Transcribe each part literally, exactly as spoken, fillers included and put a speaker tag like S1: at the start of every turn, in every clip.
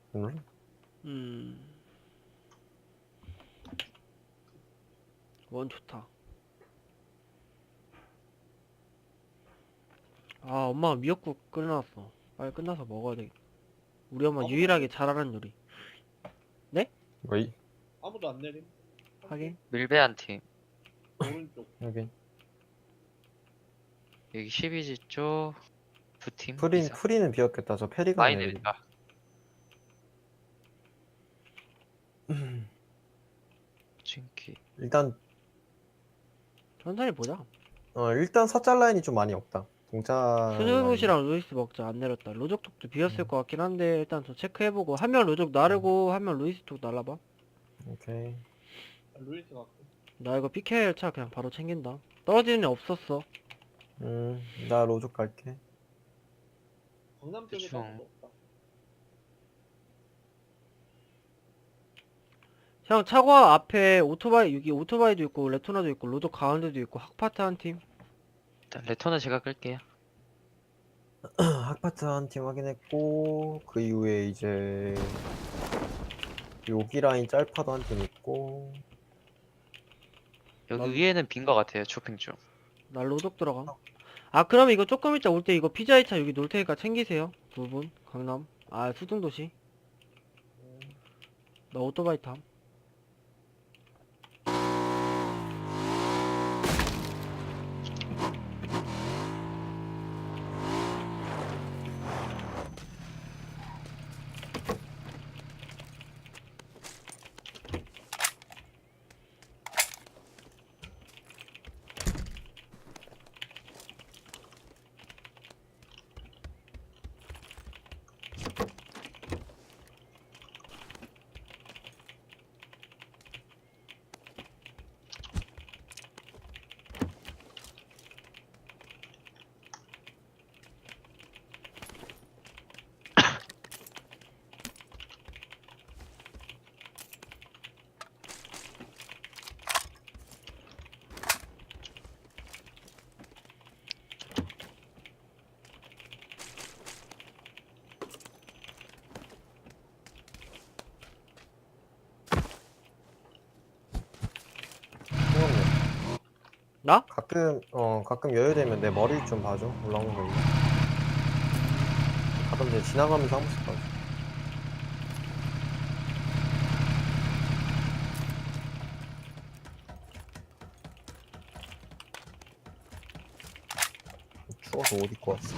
S1: 응?
S2: 음. 원 좋다. 아, 엄마가 미역국 끓여놨어. 빨리 끝나서 먹어야 돼. 우리 엄마
S3: 아무도 안
S2: 유일하게
S3: 내림.
S2: 잘하는 요리. 네?
S1: 왜?
S3: 아무도 안 내림.
S2: 하긴.
S4: 밀배 한 팀.
S3: 오른쪽.
S1: 여기
S4: 여기 십이지 쪽 두 팀
S1: 프린
S4: 이상.
S1: 프리는 비었겠다. 저 페리가
S4: 많이
S1: 내리.
S4: 내린다. 진키.
S1: 일단
S2: 천천히 보자.
S1: 어 일단 사짤 라인이 좀 많이 없다. 동차 라인.
S2: 스누봇이랑 루이스 먹자. 안 내렸다. 로족 쪽도 비었을
S1: 음.
S2: 것 같긴 한데 일단 저 체크해보고 한 명 로족 나르고 한 명 루이스 쪽 날라봐.
S1: 오케이.
S3: 루이스 갖고.
S2: 나 이거 피케일 차 그냥 바로 챙긴다. 떨어지는 애 없었어.
S1: 음, 나 로족 갈게.
S3: 강남 쪽에도
S4: 대충.
S3: 아무도 없다.
S2: 형 차과 앞에 오토바이 여기 오토바이도 있고 레토나도 있고 로족 가운데도 있고 학파트 한 팀.
S4: 일단 레터는 제가 끌게요.
S1: 학파트 한 팀 확인했고 그 이후에 이제 여기 라인 짤파도 한 팀 있고
S4: 여기
S2: 난-
S4: 위에는 빈 거 같아요. 쇼핑 중.
S2: 나 로족 들어감. 아 그러면 이거 조금 이따 올 때 이거 피자이 차 여기 놓을 테니까 챙기세요. 두 분 강남. 아 수중도시. 나 오토바이 탐.
S1: 형님
S2: 나?
S1: 가끔 어 가끔 여유되면 내 머리 좀 봐줘. 올라오는 거. 가끔 이제 지나가면서 한 번씩 봐줘. 추워서 옷 입고 왔어.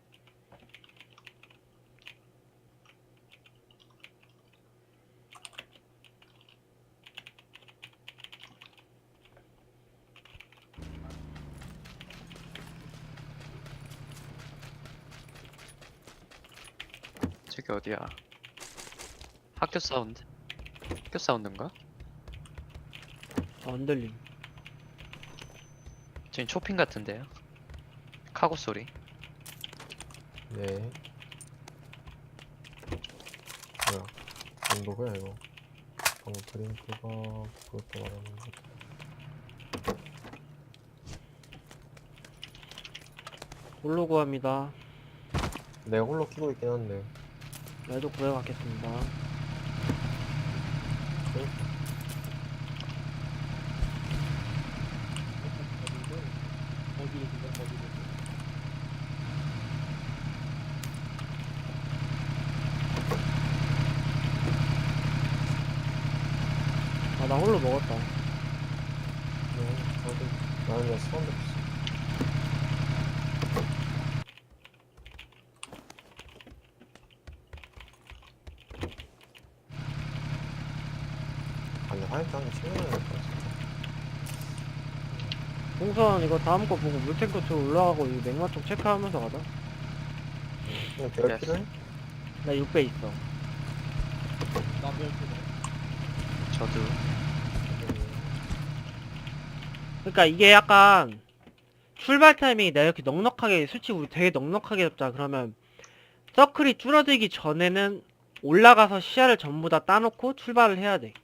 S4: 저기 어디야? 학교 사운드? 학교 사운드인가?
S2: 아, 안 들림.
S4: 저기 쇼핑 같은데요? 카고 소리.
S1: 네. 뭐야? 정도가 이거. 방금 드링크가 그것도 말하는 거.
S2: 홀로 구합니다.
S1: 내가 홀로 키고 있긴 한데.
S2: 나도 구해갖겠습니다.
S3: 어디로 그냥 어디로.
S2: 아 나 홀로 먹었다.
S1: 네, 저도 나는 그냥 수원도 없어. 아, 근데 화이트 한개 챙겨놔야 될 것 같아.
S2: 동선 이거 다음 거 보고 물탱크 쪽 올라가고 이 맥마 쪽 체크하면서 가자.
S1: 그냥 배열
S4: Yes.
S1: 필요해?
S2: 나 육 배 있어.
S3: 나 별표.
S4: 저도.
S2: 그러니까 이게 약간 출발 타이밍이 내가 이렇게 넉넉하게 솔직히 우리 되게 넉넉하게 잡자. 그러면 서클이 줄어들기 전에는 올라가서 시야를 전부 다 따놓고 출발을 해야 돼.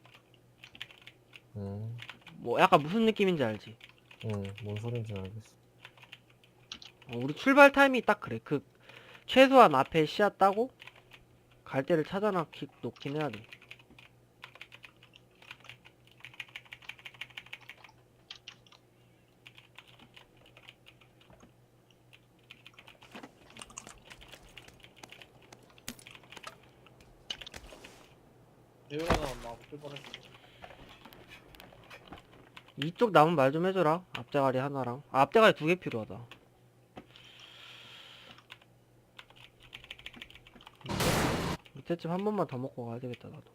S1: 음,
S2: 뭐 약간 무슨 느낌인지 알지?
S1: 음, 뭔 소린지 알겠어.
S2: 어, 우리 출발 타이밍이 딱 그래. 그 최소한 앞에 시야 따고 갈 데를 찾아놓기 놓긴 해야 돼.
S3: 배율 하나 막 못쓸 뻔했어.
S2: 이쪽 남은 말 좀 해줘라. 앞대가리 하나랑. 아, 앞대가리 두 개 필요하다. 이때쯤 한 번만 더 먹고 가야 되겠다, 나도.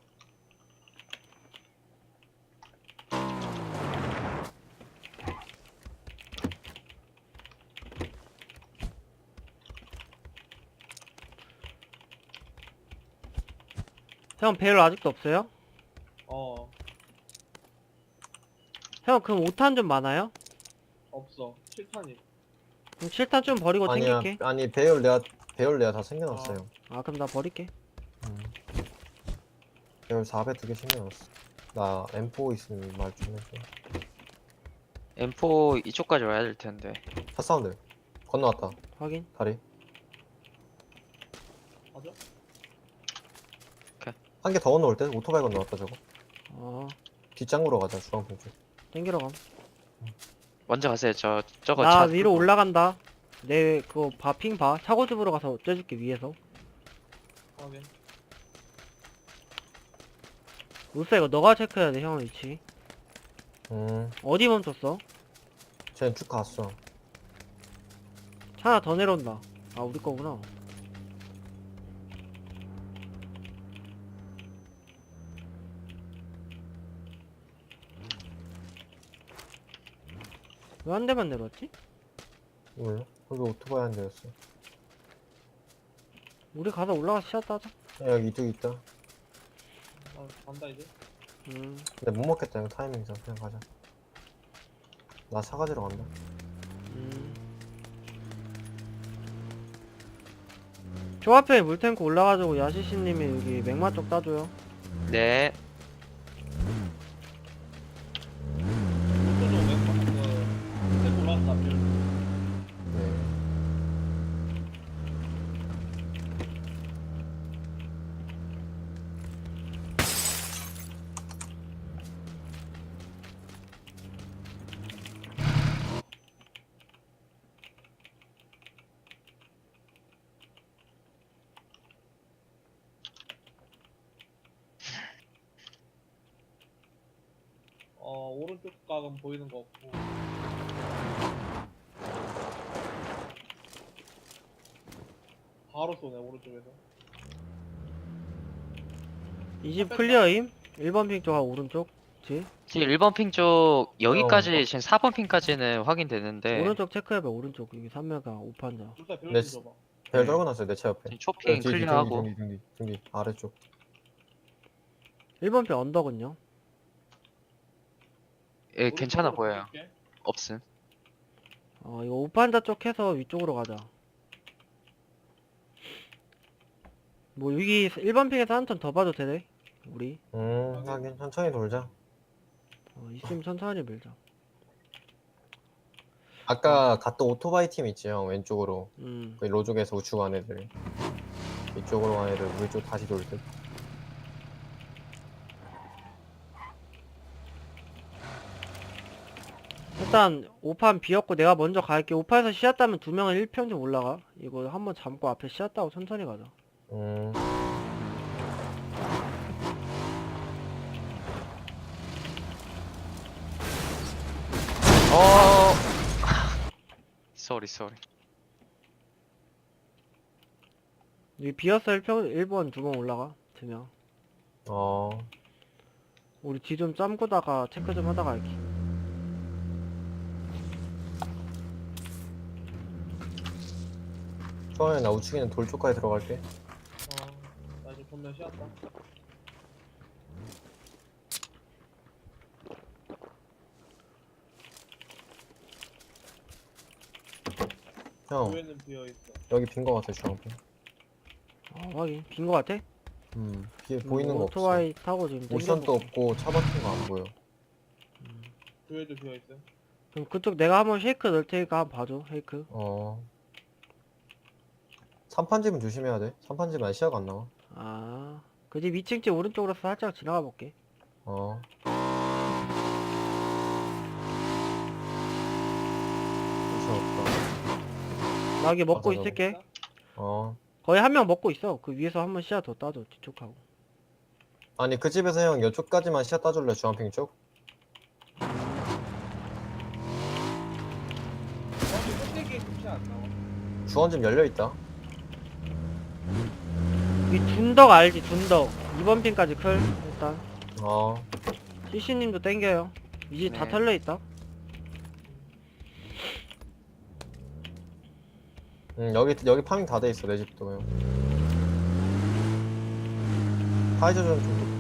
S2: 형, 배율 아직도 없어요?
S3: 어
S2: 형, 그럼 오 탄 좀 많아요?
S3: 없어. 칠 탄이.
S2: 그럼 칠 탄 좀 버리고
S1: 아니야,
S2: 챙길게.
S1: 아니 배열 내가 배열 내가 다 챙겨놨어요.
S2: 아, 그럼 나 버릴게.
S1: 음. 배열 사 배 두 개 챙겨놨어. 나 엠 포 있으면 말 좀 해줘.
S4: 엠포 이쪽까지 와야 될 텐데.
S1: 차 사운드 건너왔다.
S2: 확인.
S1: 다리
S3: 맞아?
S1: 한 개 더 건너올 때 오토바이 건너왔다 저거.
S2: 어,
S1: 뒷장으로 가자 주황색 쪽.
S2: 땡기러 감.
S4: 먼저 가세요. 저 저거
S2: 나
S4: 차
S2: 위로
S4: 끌고.
S2: 올라간다. 내 그거 봐, 핑 봐. 차고집으로 가서 쬐줄게, 위에서.
S3: 확인.
S2: 울사 이거 너가 체크해야 돼, 형 위치.
S1: 음,
S2: 어디 멈췄어?
S1: 쟤는 쭉 갔어.
S2: 차 하나 더 내려온다. 아, 우리 거구나. 왜 한 대만 내려왔지?
S1: 몰라? 거기 오토바이 한 대였어.
S2: 우리 가서 올라가서 쉬었다 하자.
S1: 야, 여기 이쪽 있다.
S3: 아 간다 이제.
S2: 음,
S1: 근데 못 먹겠다 이거 타이밍상 그냥 가자. 나 사가지러 간다.
S2: 음. 저 앞에 물탱크 올라가지고 야시씨님이 여기 맥마 쪽 따줘요.
S4: 네.
S3: 이쪽으로 왼쪽 그 색 올라왔다. 배율.
S1: 네.
S3: 어 오른쪽 각은 보이는 거 없고. 바로 쏘네 오른쪽에서.
S2: 이 집 클리어임? 일 번 핑 쪽 오른쪽. 그치?
S4: 지금 일 번 핑 쪽 여기까지 지금 사 번 핑까지는 확인되는데
S2: 오른쪽 체크해봐, 오른쪽. 여기 삼 메가 오판자.
S3: 둘다 배율
S1: 네.
S3: 좀 줘봐.
S1: 배열
S4: 네.
S1: 떨궈놨어요 내 차 옆에.
S4: 지금 초핑
S1: 뒤, 뒤,
S4: 클리어하고.
S1: 뒤, 뒤, 뒤, 뒤, 뒤, 아래쪽.
S2: 일 번 핑 언덕은요?
S4: 예, 괜찮아
S3: 오른쪽으로
S4: 보여요.
S3: 가볼게.
S4: 없음.
S2: 어, 이거 오판자 쪽 해서 위쪽으로 가자. 뭐, 여기 일 번 핑에서 한 턴 더 봐도 되네? 우리.
S1: 음, 하긴 천천히 돌자.
S2: 어, 있으면 천천히 밀자.
S1: 아까 갔던 오토바이 팀 있지 형 왼쪽으로.
S2: 음.
S1: 그 로족에서 우측 간 애들. 이쪽으로 간 애들 우리 쪽 다시 돌 듯.
S2: 일단 오판 비었고 내가 먼저 갈게. 오판에서 씨앗 따면 두 명은 일 평 좀 올라가. 이거 한번 잡고 앞에 씨앗 따고 천천히 가자.
S1: 음,
S4: 어. 쏘리 쏘리.
S2: 여기 비었어 일 평, 일 번 두 번 올라가. 두 명.
S1: 어,
S2: 우리 뒤 좀 짬고다가 체크 좀 하다가 갈게.
S1: 처음에 나 우측에 있는 돌 쪽까지 들어갈게.
S3: 어나 이제 전면 쉬었다.
S1: 형,
S3: 위에는 비어 있어.
S1: 여기 빈 거 같아 주황빛.
S2: 어, 확인. 빈 거 같아?
S1: 음, 뒤에 보이는 거 없어.
S2: 오토바이 타고 지금
S1: 옵션도
S2: 땡겨볼게.
S1: 없고 차 박힌 거 안 보여.
S3: 위에도 비어 있어.
S2: 그럼 그쪽 내가 한번 쉐이크 넣을 테니까 한번 봐줘. 쉐이크.
S1: 어. 삼판집은 조심해야 돼. 삼판집은 시야가 안 나와.
S2: 아, 그 집 이 층 집 오른쪽으로 살짝 지나가 볼게.
S1: 어. 그쵸, 없다.
S2: 나 여기 먹고
S1: 맞아,
S2: 있을게.
S1: 어.
S2: 거의 한 명 먹고 있어. 그 위에서 한 번 시야 더 따줘, 뒤쪽하고.
S1: 아니, 그 집에서 형 이쪽까지만 시야 따줄래, 주황핑 쪽?
S3: 저기 꼭대기에 금시 안 나와.
S1: 주원집 열려있다.
S2: 이 둔덕 알지, 둔덕. 이번 핀까지 클, 일단.
S1: 어.
S2: 씨씨님도 땡겨요. 이 집 다
S4: 네.
S2: 털려있다.
S1: 응, 여기, 여기 파밍 다 돼 있어, 내 집도 형. 파이저전 좀.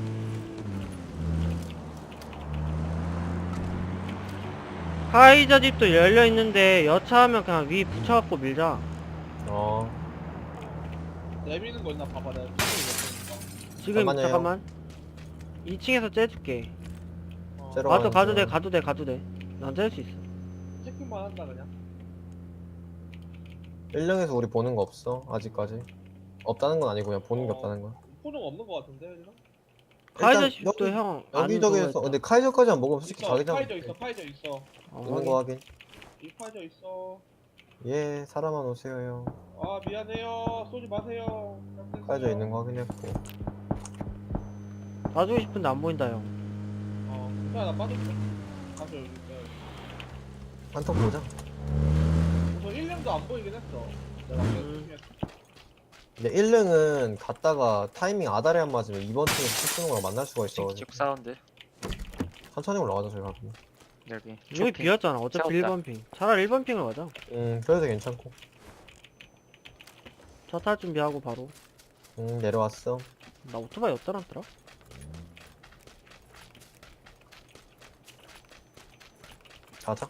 S2: 카이저 집도 열려있는데, 여차하면 그냥 위 붙여갖고 밀자.
S1: 어.
S3: 내미는 거 있나 봐봐. 내가 찍고 있으니까.
S2: 지금,
S1: 잠깐만요.
S2: 잠깐만. 이 층에서 째줄게.
S3: 어,
S1: 째러
S2: 가도,
S1: 가는
S2: 가도 돼,
S1: 중.
S2: 가도 돼, 가도 돼. 난 짤 수 있어.
S3: 체크만 한다 그냥.
S1: 일령에서 우리 보는 거 없어, 아직까지. 없다는 건 아니고, 그냥 보는 게
S3: 어.
S1: 없다는 거야.
S3: 포는 없는 거 같은데 지금?
S2: 카이저
S1: 일단
S2: 집도
S1: 여기-
S2: 형, 안
S1: 여기저기에서,
S2: 그거
S1: 근데 카이저까지만 먹으면 솔직히
S3: 있어.
S1: 자기장
S3: 파이저 있어. 파이저 있어.
S2: 어,
S1: 있는 거 확인.
S3: 이 파이저 있어.
S1: 예, 사람만 오세요, 형.
S3: 아 미안해요. 쏘지 마세요.
S1: 카이저 있는 거 확인했고.
S2: 봐주고 싶은데 안 보인다, 형.
S3: 어. 괜찮아 나 빠졌어. 가서 여기 있어.
S1: 한턱 보자.
S3: 우선 일 년도 안 보이긴 했어. 내가
S2: 음.
S3: 그냥
S1: 근데 일령은 갔다가 타이밍 아다리 안 맞으면 이번 팀에서 쓰는 거랑 만날 수가 있어.
S4: 쭉 사운드.
S1: 천천히 올라가자, 저희 가면.
S4: 여기.
S2: 여기
S4: 쇼핑.
S2: 비었잖아. 어차피
S4: 싸웠다.
S2: 일 번 핑. 차라리 일 번 핑을 가자.
S1: 음, 그래도 괜찮고.
S2: 차 탈 준비하고 바로.
S1: 음, 내려왔어.
S2: 나 오토바이 어디다 놨더라?
S1: 가자.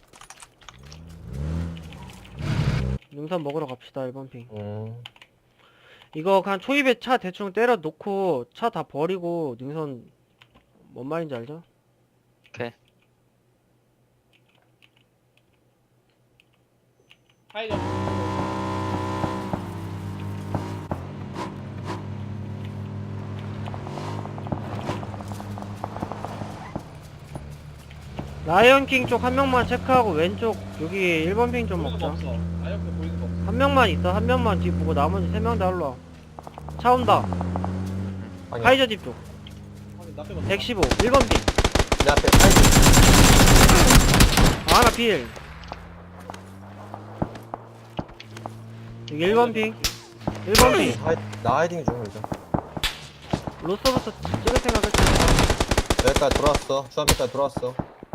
S2: 능선 먹으러 갑시다, 일 번 핑.
S1: 음,
S2: 이거 그냥 초입에 차 대충 때려 놓고 차 다 버리고 능선 뭔 말인지 알죠?
S4: 오케이.
S3: 파이저.
S2: 라이언킹 쪽 한 명만 체크하고 왼쪽 여기 일 번 핑 좀
S3: 보이는 거
S2: 먹자.
S3: 없어. 아역대 보이는 거 없어.
S2: 한 명만 있어. 한 명만 뒤 보고 나머지 세 명 다 일로 와. 차 온다.
S1: 아니야.
S2: 카이저 집 쪽.
S3: 아니 나 빼고.
S2: 백십오. 일 번 핑.
S1: 내 앞에 파이저.
S2: 아, 하나 필. 여기 일 번 핑. 일 번 핑.
S1: 하이, 나 하이딩 중, 이제.
S2: 로스부터 찍을 생각했지.
S1: 여기까지 돌아왔어. 주한빛까지 돌아왔어.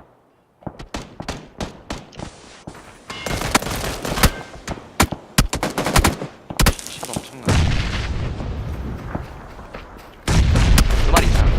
S4: 샷 엄청나. 두 마리 이상.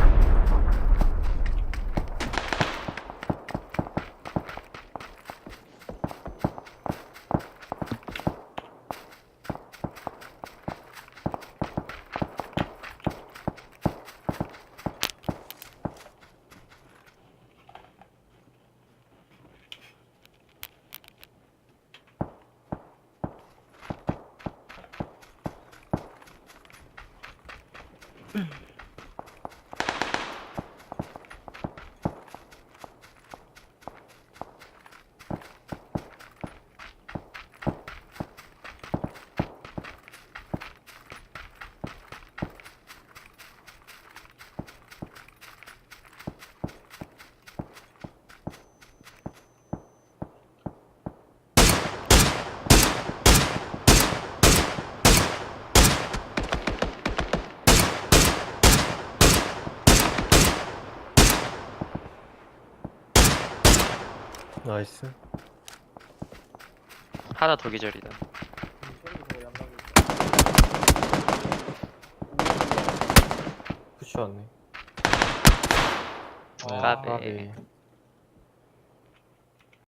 S1: 나이스.
S4: 하나 더 기절이다.
S1: 푸시 왔네.
S3: 아,
S4: 까비.
S1: 까비.